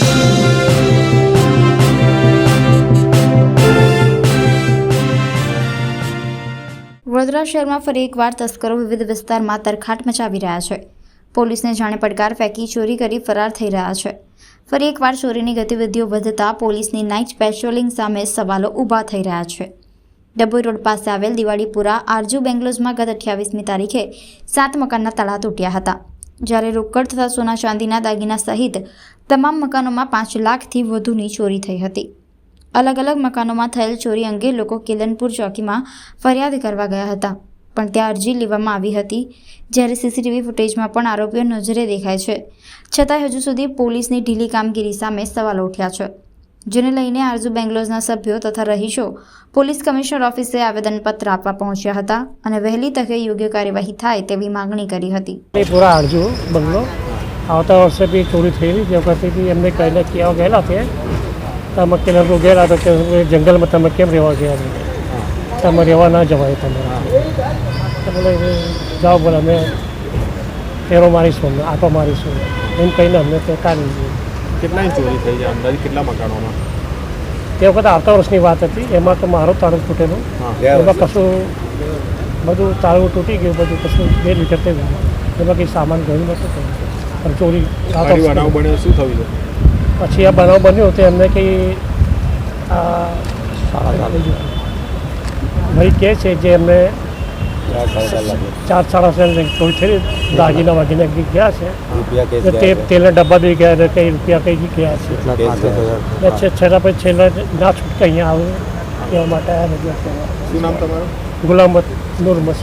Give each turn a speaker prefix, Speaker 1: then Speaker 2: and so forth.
Speaker 1: વડોદરા શહેરમાં ફરી એકવાર તસ્કરો વિવિધ વિસ્તારમાં તરખાટ મચાવી રહ્યા છે. પોલીસને જાણે પડકાર ફેંકી ચોરી કરી ફરાર થઈ રહ્યા છે. ફરી એકવાર ચોરીની ગતિવિધિઓ વધતા પોલીસની નાઇટ પેટ્રોલિંગ સામે સવાલો ઊભા થઈ રહ્યા છે. ડભોઈ રોડ પાસે આવેલ દિવાળીપુરા આરજુ બેંગ્લોઝમાં ગત 28મી તારીખે 7 મકાનના તાળા તૂટ્યા હતા, જ્યારે રોકડ તથા સોના ચાંદીના દાગીના સહિત તમામ મકાનોમાં 5 લાખથી વધુની ચોરી થઈ હતી. અલગ અલગ મકાનોમાં થયેલ ચોરી અંગે લોકો કેલનપુર ચોકીમાં ફરિયાદ કરવા ગયા હતા, પણ ત્યાં અરજી લેવામાં આવી હતી. જ્યારે સીસીટીવી ફૂટેજમાં પણ આરોપીઓ નજરે દેખાય છે, છતાંય હજુ સુધી પોલીસની ઢીલી કામગીરી સામે સવાલો ઉઠ્યા છે, જેને લઈને આરજુ બેંગ્લોઝના સભ્યો તથા રહીશો પોલીસ કમિશનર ઓફિસે આવેદનપત્ર આપવા પહોંચ્યા હતા અને વહેલી તકે યોગ્ય કાર્યવાહી થાય તેવી માંગણી કરી હતી.
Speaker 2: પૂરા આરજુ બંગલો આવતા વર્ષે બી ચોરી થયેલી, જે વખતે બી એમને કહીને ક્યાં ગયેલા તે તમે કેલનપુર ગયેલા તો કે જંગલમાં તમે કેમ રહેવા ગયા છો, તમે રહેવા ના જવાય, તમે બોલે જાઓ, બોલે અમે ફેરો મારીશું, અમને આટો મારીશું એમ કહીને અમને તે કાઢી દીધું.
Speaker 3: કેટલાની ચોરી થઈ છે અંદાજે, કેટલા મકાનોમાં?
Speaker 2: તે વખતે આવતા વર્ષની વાત હતી. એમાં તો મારો તાળું તૂટેલું, એમાં કશું બધું તાળું તૂટી ગયું, બધું કશું બે લીટર થઈ ગયું, એમાં કંઈ સામાન ગયું નહોતું થયું, પણ ચોરી
Speaker 3: બનાવ બન્યો શું થયું છે?
Speaker 2: પછી આ બનાવ બન્યો તો એમને કંઈ ભાઈ કહે છે જે એમને 4-4.5 ચોરી થઈ, દાગીના વાગીને ગયા છે, તે તેલના ડબ્બા બી ગયા, કંઈ રૂપિયા કંઈ ગયા છે. છેલ્લા પછી છેલ્લા ના છૂટકે અહીંયા આવે એવા માટે
Speaker 3: શું નામ તમારું?
Speaker 2: ગુલામ નૂર મસ્ત.